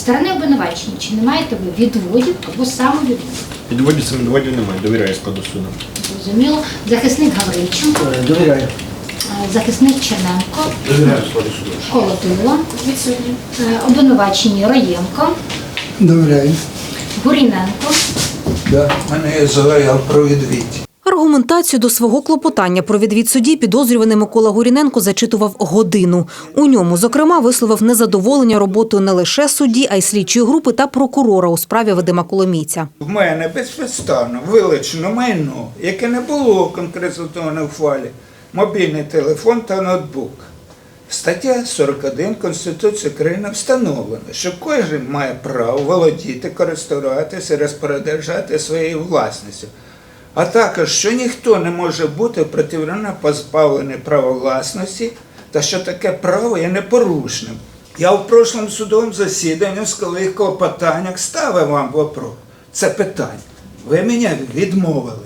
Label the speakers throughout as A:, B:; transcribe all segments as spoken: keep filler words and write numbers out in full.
A: сторони обвинувачення, чи не маєте ви відводів або самовідводів?
B: Відводів, самовідводів немає, довіряю складу суду.
A: Зрозуміло. Захисник Гаврильченко.
C: Довіряю.
A: Захисник Черненко.
B: Довіряю складу суду.
A: Колотило. Відсутні. Обвинувачені Роєнко.
C: Довіряю.
A: Гуріненко.
C: Да. У мене є заява про відвід.
D: Аргументацію до свого клопотання про відвід судді підозрюваний Микола Гуріненко зачитував годину. У ньому, зокрема, висловив незадоволення роботою не лише судді, а й слідчої групи та прокурора у справі Вадима Коломійця.
C: В мене безпідставно вилучено майно, яке не було конкретизовано в файлі, мобільний телефон та ноутбук. Стаття сорок один Конституції України встановлено, що кожен має право володіти, користуватися, розпоряджати своєю власністю. А також, що ніхто не може бути протиправно позбавлений права власності та що таке право є непорушним. Я в прошлому судовому засіданні в своїх клопотаннях ставив вам вопрос. Це питання. Ви мене відмовили.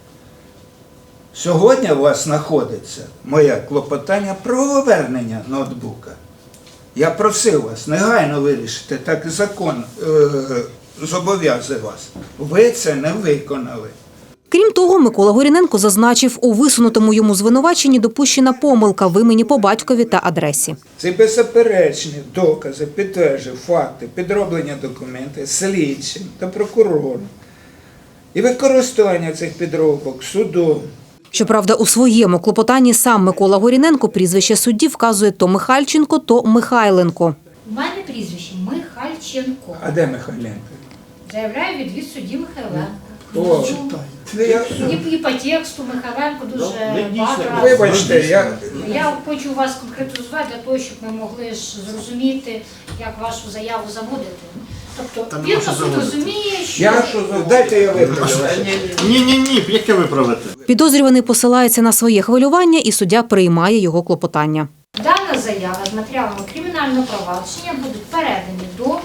C: Сьогодні у вас знаходиться моє клопотання про повернення ноутбука. Я просив вас негайно вирішити, так і закон е- зобов'язує вас. Ви це не виконали.
D: Крім того, Микола Гуріненко зазначив, у висунутому йому звинуваченні допущена помилка в імені по батькові та адресі.
C: Ці беззаперечні докази підтверджують факти підроблення документів слідчим та прокурором і використання цих підробок судом.
D: Щоправда, у своєму клопотанні сам Микола Гуріненко прізвище судді вказує то Михальченко, то Михайленко.
A: У мене прізвище Михальченко.
C: А де Михайленко?
A: Заявляю відвід судді Михайленко.
C: О, я...
A: І, і по тексту Михайленко дуже багато.
C: Вибачте, я...
A: Я хочу вас конкретизувати для того, щоб ми могли ж зрозуміти, як вашу заяву заводити. Тобто він по суті розуміє, що...
C: Я... Дайте я виправлю.
B: Ні-ні-ні, яке виправити?
D: Підозрюваний посилається на своє хвилювання, і суддя приймає його клопотання.
A: Дана заява з матеріалами кримінального провадження будуть передані до е,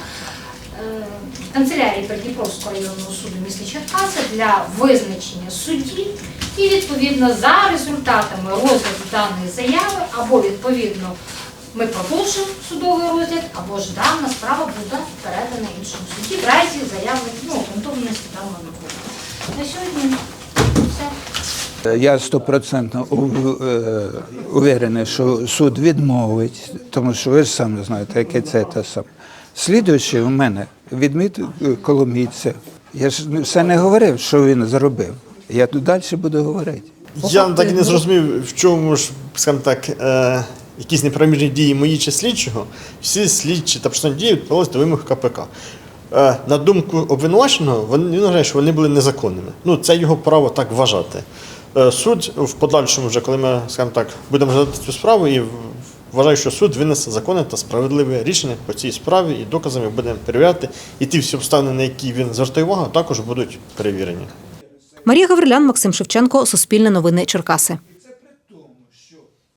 A: канцелярії Придніпровського районного суду міста Черкаси для визначення судді і, відповідно, за результатами розгляду даної заяви або, відповідно, ми продовжимо судовий розгляд, або ж дана справа буде передана іншому судді в разі заяви, ну, обґрунтованості даного документу. На сьогодні все.
C: Я стопроцентно уверений, що суд відмовить, тому що ви ж самі знаєте, яке це те саме. Слідуючий у мене відміт Коломійця. Я ж все не говорив, що він зробив. Я тут далі буду говорити.
B: Я так і не зрозумів, в чому ж, скажімо так, е, якісь неправомірні дії мої чи слідчого. Всі слідчі та процесуальні дії відповідалися до вимог ка пе ка. Е, на думку обвинуваченого, він вважає, що вони були незаконними. Ну, це його право так вважати. Е, суд в подальшому, вже коли ми, скажімо так, будемо розглядати цю справу, і вважаю, що суд винесе законне та справедливе рішення по цій справі, і доказами будемо перевіряти. І ті всі обставини, на які він звертає увагу, також будуть перевірені.
D: Марія Гаврилян, Максим Шевченко, Суспільне новини, Черкаси.